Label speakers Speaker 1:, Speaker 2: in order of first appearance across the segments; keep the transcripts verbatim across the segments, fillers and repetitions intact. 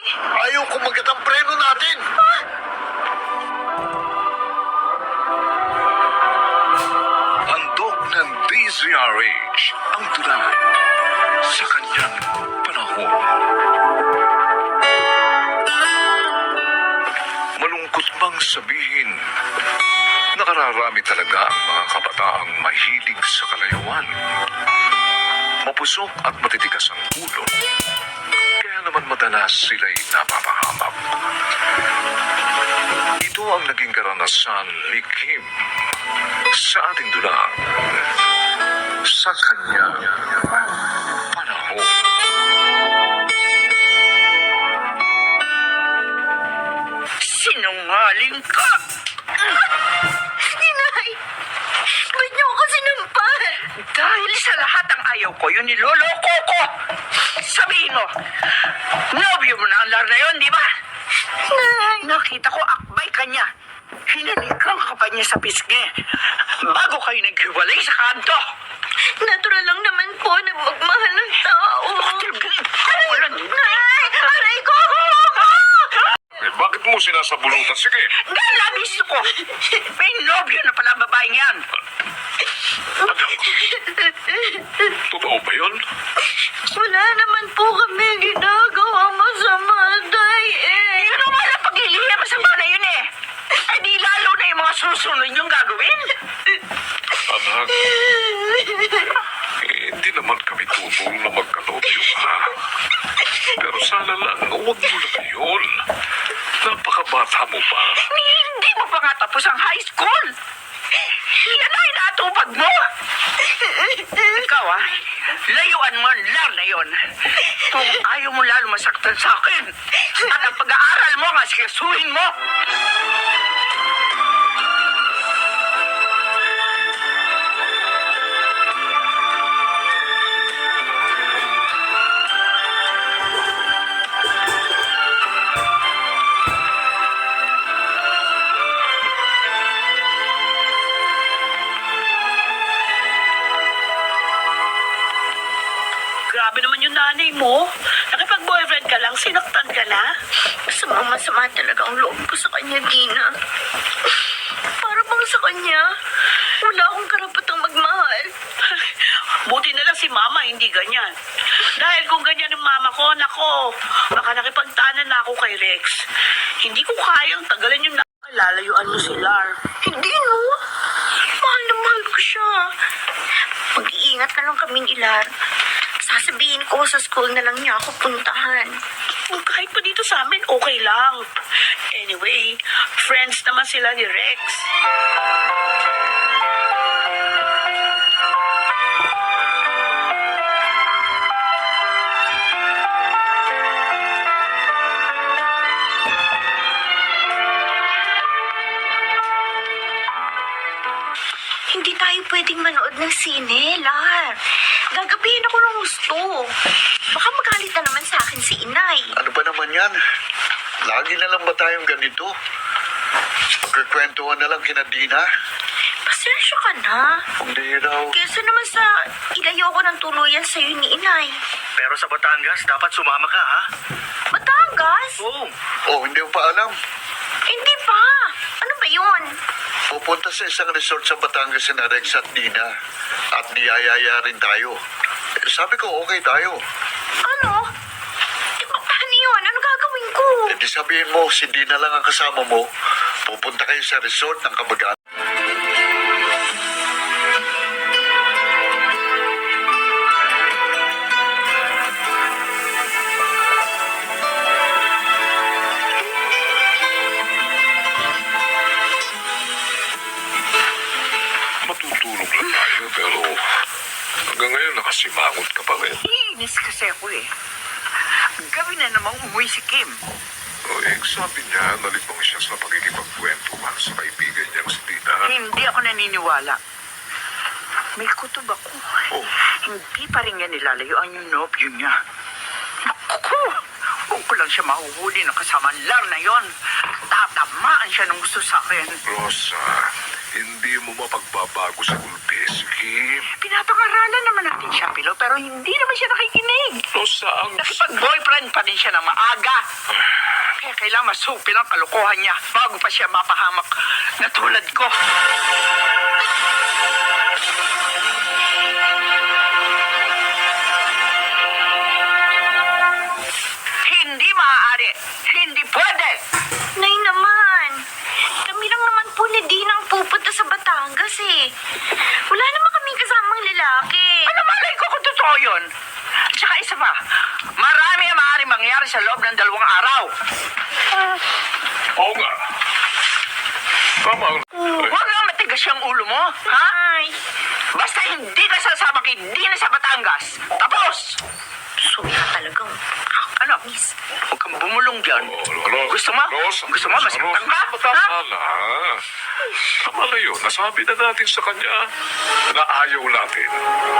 Speaker 1: Ayaw kumagat ang preno natin.
Speaker 2: Handog ng D Z R H ang tula sa kanyang panahon. Malungkot bang sabihin, nakararami talaga ang mga kabataang mahilig sa kalayawan. Mapusok at matitigas ang ulo. Kaya naman madalas sila'y napapahamak. Ito ang naging karanasan ni Kim sa ating dulang sa kanyang panahon.
Speaker 3: Sinungaling ka!
Speaker 4: Inay! Ba't niyo ako sinampal?
Speaker 3: Dahil sa lahat ng ayaw ko, yun niloloko ko! Sabihin mo, nobyo mo na ang lar na yun, di ba?
Speaker 4: Nay!
Speaker 3: Nakita ko akbay ka niya. Hinalikan ka pa niya sa pisngi. Bago kayo naghiwalay sa kanto.
Speaker 4: Natural lang naman po na magmahal ng tao.
Speaker 3: Walang...
Speaker 4: Nay! Aray ko!
Speaker 2: Eh, bakit mo sinasabulutan? Sige,
Speaker 3: Nalamis ko! May nobyo na pala ang babaeng yan.
Speaker 2: totoo ba yun?
Speaker 4: Wala naman po kami ginagawa masama, Day eh.
Speaker 3: Yun ang wala pagliliya masama na yun eh. Ay di lalo na yung mga susunod yung gagawin.
Speaker 2: Anak, eh, hindi naman kami tutol na magkalobyo ka. Pero sana lang, huwag mo na ngayon. Napakabata mo pa.
Speaker 3: Hindi mo pa nga tapos ang high school. Yan ay natupag mo. Ikaw ah, layuan mo ang lar na yon. Kung ayaw mo lalo masaktan sa akin. At ang pag-aaral mo nga sikasuhin mo. Grabe naman yung nanay mo. Nakipag-boyfriend ka lang, sinaktan ka na.
Speaker 4: Masama-masama talaga ang loob ko sa kanya, Dina. Para bang sa kanya, wala akong karapatang magmahal.
Speaker 3: Buti na lang si mama, hindi ganyan. Dahil kung ganyan ang mama ko, nako, baka nakipagtanan na ako kay Rex. Hindi ko kayang tagalan yung nalalayuan mo si Lar.
Speaker 4: Hindi, no? Mahal na mahal ko siya. Mag-iingat na lang kaming ilar. Sasabihin ko sa school na lang niya ako puntahan.
Speaker 3: Kung kahit pa dito sa amin, okay lang. Anyway, friends naman sila ni Rex.
Speaker 4: Hindi tayo pwedeng manood ng sine, Lar. Gagabihin ako ng gusto. Baka magalit na naman sa akin si Inay.
Speaker 1: Ano ba naman yan? Lagi na lang ba tayong ganito? Magkakwentuhan na lang kina Dina?
Speaker 4: Pasensya ka na.
Speaker 1: Hindi raw.
Speaker 4: Kesa naman sa ilayo ko ng tuluyan sa'yo ni Inay.
Speaker 5: Pero sa Batangas, dapat sumama ka, ha?
Speaker 4: Batangas?
Speaker 5: Oo.
Speaker 1: Oh, hindi mo pa alam.
Speaker 4: Hindi pa. Ano ba yun?
Speaker 1: Pupunta sa isang resort sa Batangas si Rex at Dina. At niyayaya rin tayo. Eh, sabi ko, okay tayo.
Speaker 4: Ano? Eh, pa- paano yun? Ano gagawin ko?
Speaker 1: E di sabihin mo, si Dina lang ang kasama mo. Pupunta kayo sa resort ng kabagaan.
Speaker 2: Matutulog lang tayo, pero hanggang ngayon nakasimangot ka pa rin.
Speaker 3: Iinis kasi ako eh. Gabi na namang umuwi si Kim.
Speaker 2: O, eh, sabi niya, nalibang siya sa pagkikipagkwentuhan sa kaibigan niyang si Dina.
Speaker 3: Hindi ako naniniwala. May kutob ako.
Speaker 2: Oh.
Speaker 3: Hindi pa rin yan nilalayuan yung nobyo niya. Naku! Huwag ko lang siya mahuhuli ng kasama lar na yon. Tatamaan siya ng gusto sa akin.
Speaker 2: Rosa, hindi mo mapagbabago sa gulpi, si Kim.
Speaker 3: Pinapangaralan naman natin siya, Pilo, pero hindi naman siya nakikinig.
Speaker 2: Rosa, ang...
Speaker 3: Nakipag-boyfriend pa din siya ng maaga. Kaya kailangan masupil ang kalokohan niya bago pa siya mapahamak na tulad ko. Hindi maaari. Hindi pwede.
Speaker 4: Nay naman, kami lang naman po ni Dina ang pupunta sa Batangas eh. Wala naman kaming kasamang lalaki.
Speaker 3: Ano malay ko kung totoo yun? Tsaka isa pa, marami ang maaari mangyari sa loob ng dalawang araw.
Speaker 2: Oo nga. Tama ang...
Speaker 3: Huwag nga matigas yung ulo mo, ha?
Speaker 4: Ay,
Speaker 3: Basta hindi ka sasama kay Dina sa Batangas. Tapos!
Speaker 4: suya talagang
Speaker 3: Ano?
Speaker 4: miss.
Speaker 3: Huwag kang bumulong dyan.
Speaker 2: Oh, Ros,
Speaker 3: Gusto mo?
Speaker 2: Ros,
Speaker 3: Gusto mo?
Speaker 2: Ros,
Speaker 3: Masaktan
Speaker 2: Ros,
Speaker 3: ka?
Speaker 2: Tama
Speaker 3: Ha?
Speaker 2: na. Tama na yun. Nasabi na natin sa kanya na ayaw natin.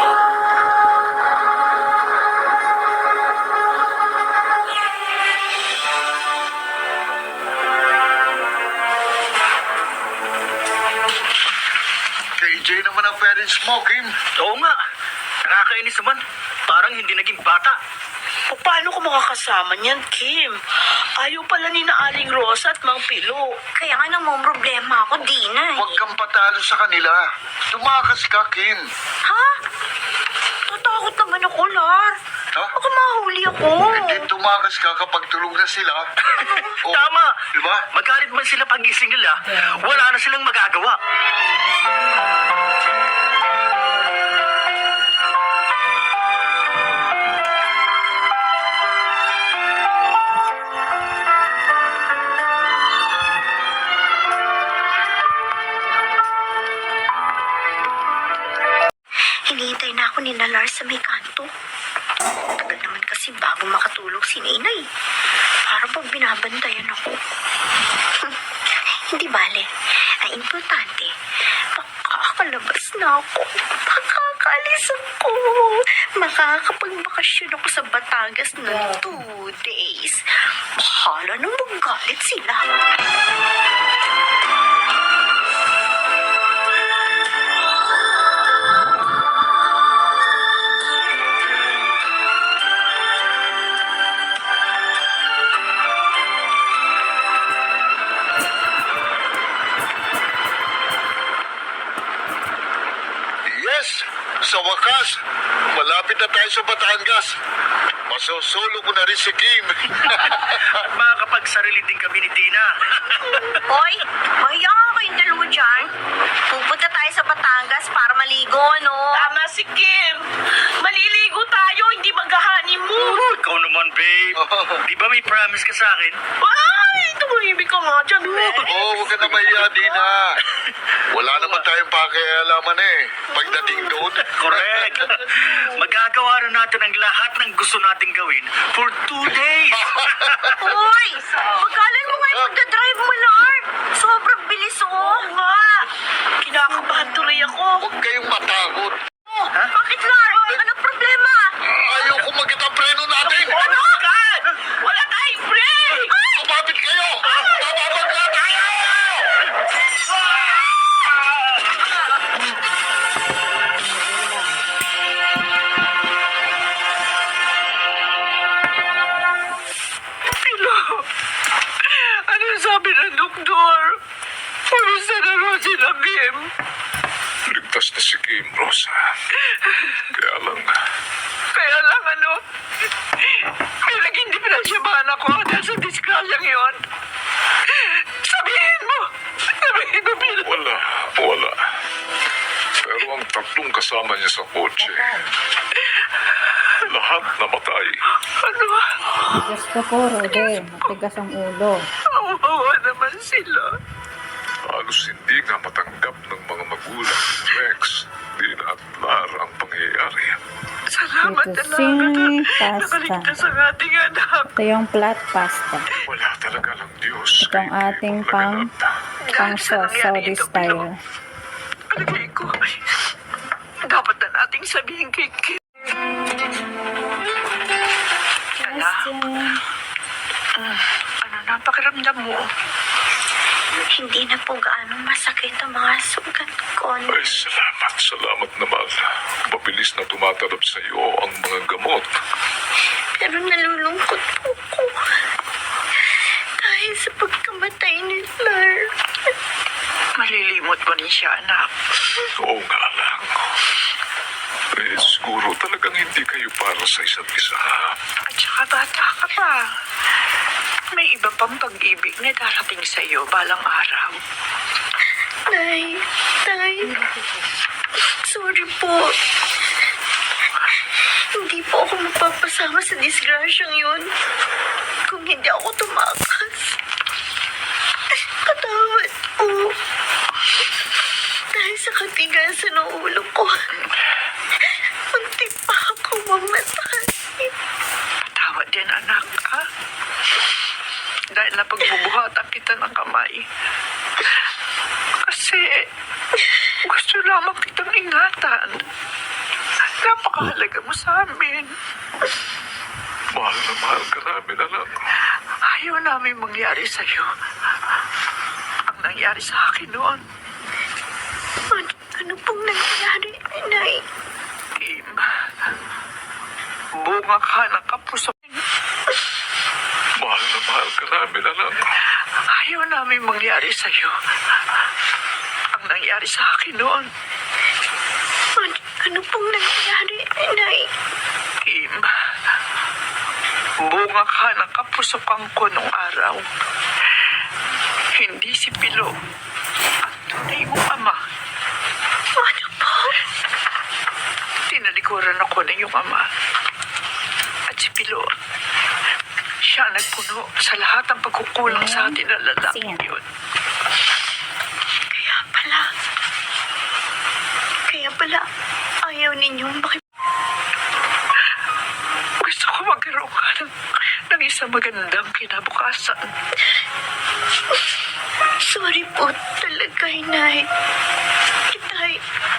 Speaker 1: K J naman ang parents mo, Kim.
Speaker 5: Oo nga. Nakakainis naman. Parang hindi naging bata.
Speaker 6: O paano ko makakasama niyan, Kim? Ayaw pala ni na Aling Rosa at Mang Pilo.
Speaker 4: Kaya nga namang problema ako, Dina.
Speaker 1: Huwag kang patalo sa kanila. Tumakas ka, Kim.
Speaker 4: Ha? Tatakot naman ako, Lar.
Speaker 1: Ha?
Speaker 4: Baka mahuli ako.
Speaker 1: Hindi tumakas ka kapag tulog na sila. Oh,
Speaker 5: Tama.
Speaker 1: Di ba?
Speaker 5: Magalit man sila pag-gising nila, wala na silang magagawa.
Speaker 4: Hinihintay na ako ni na Lars sa may kanto. Tagal naman kasi bago makatulog si Nainay. Para pag binabantayan ako. Hindi bale. Ang importante, makakalabas na ako. Makakaalis ako. Makakapagbakasyon ako sa Batangas ng two days. Bahala nang magalit sila.
Speaker 1: Yes, sa wakas, malapit na tayo sa Batangas. Masosolo ko na rin si Kim.
Speaker 5: At makakapagsarili din kami ni Dina.
Speaker 4: Hoy, mahiya nga kayong dalawa dyan. Pupunta tayo sa Batangas para maligo, no?
Speaker 6: Tama si Kim. Maliligo tayo, hindi mag-honeymoon.
Speaker 5: Ikaw naman, babe. Di ba may promise ka sa akin?
Speaker 6: Ay, tumahimik ka nga dyan, be.
Speaker 1: Oo, oh, huwag ka na mahiya, Dina. Wala naman tayong pakialaman eh. Pagdating doon.
Speaker 5: Correct. Magagawa na natin ang lahat ng gusto nating gawin for two days.
Speaker 4: Hoy, magalan mo nga yung pagdadrive mo, Lar. Sobrang bilis, oh.
Speaker 6: Oo nga. Kinakabahan tuloy ako.
Speaker 1: Huwag kayong matakot.
Speaker 4: Oh, bakit, Lar? Anong problema?
Speaker 1: Ayaw ko magit ang preno natin.
Speaker 6: Ano? God! Wala tayong break!
Speaker 1: Kumapit kayo! Bababag na tayo!
Speaker 3: Pilo, ano sabi ng doktor? Kumusta na rin sila, Kim?
Speaker 2: Ligtas na si Kim, Rosa. Kaya lang,
Speaker 3: Kaya lang ano, may naging diferensyabahan ako dahil sa disgrasyang yun. Sabihin mo! Sabihin mo, Pilo!
Speaker 2: wala, wala. Pero ang tatlong kasama niya sa kotse, lahat namatay.
Speaker 3: Ano?
Speaker 7: Diyos ko po, Rode. Matigas ang ulo.
Speaker 3: Awawa naman sila.
Speaker 2: Halos hindi nga matanggap ng mga magulang ni Rex, Dina at Lara ang pangyayari.
Speaker 3: Salamat
Speaker 7: Ito
Speaker 3: talaga
Speaker 7: sing
Speaker 3: na
Speaker 7: pasta.
Speaker 3: nakaligtas ang ating anak.
Speaker 7: Ito yung flat pasta.
Speaker 2: Wala talaga ng Diyos.
Speaker 7: Ito ang
Speaker 2: kay
Speaker 7: ating
Speaker 2: ibang
Speaker 7: pang,
Speaker 2: laganap.
Speaker 7: pang
Speaker 3: Dahil sa
Speaker 7: sauce,
Speaker 3: nangyari
Speaker 7: Saudi
Speaker 3: ito,
Speaker 7: style.
Speaker 3: Pilo, palagay ko, dapat na nating sabihin kay Kim. Kaya, ano na ang pakiramdam mo?
Speaker 4: Hindi na po gaano masakit ang mga sugat ko. no?
Speaker 2: Ay, salamat, salamat naman. Mabilis na tumatalab sa iyo ang mga gamot.
Speaker 4: Pero nalulungkot po ko. sa pagkamatay ni Lar.
Speaker 3: Malilimot mo rin siya, anak.
Speaker 2: Oo nga lang. Eh, siguro talagang hindi kayo para sa isa't isa.
Speaker 3: At saka bata ka pa. May iba pang pag-ibig na darating sa iyo balang araw.
Speaker 4: Nay, Tay, sorry po. Hindi po ako mapapasama sa disgrasyang yun kung hindi ako tumakas. Patawad po. Dahil sa katigasan ng ulo ko, munti pa ako mamatay.
Speaker 3: Patawad din, anak, ha? Dahil napagbubuhatan kita ng kamay. Kasi gusto lamang kitang ingatan. Napakahalaga mo sa amin.
Speaker 2: Mahal na mahal ka namin, anak.
Speaker 3: Ayaw namin mangyari sa'yo. Ang nangyari sa akin noon,
Speaker 4: Ano, ano pong nangyari, Nay?
Speaker 3: Kim, bunga ka ng kapuso.
Speaker 2: Mahal na mahal ka namin, anak.
Speaker 3: Ayaw namin mangyari sa'yo. Ang nangyari sa akin noon,
Speaker 4: Ano, ano pong nangyari, Nay?
Speaker 3: Kim, bunga ka ng kapusokan ko nung araw. Hindi si Pilo ang tunay mong ama.
Speaker 4: Ano po?
Speaker 3: Tinalikuran ako ng iyong ama. At si Pilo, siya ang nagpuno sa lahat ng pagkukulang sa atin ng lalaking yun.
Speaker 4: Kaya pala, kaya pala, ayaw ninyong makip...
Speaker 3: Gusto ko magkaroon ka ng, ng isang magandang kinabukasan.
Speaker 4: Sorry po talaga, Nay. Itay,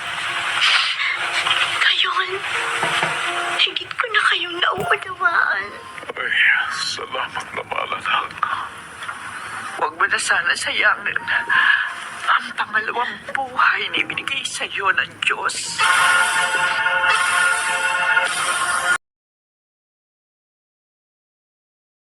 Speaker 4: ngayon, higit ko na kayong nauunawaan.
Speaker 2: Ay, salamat na mahal, anak.
Speaker 3: Huwag mo na sana sayangin ang pangalawang buhay na ibinigay sa iyo ng Diyos.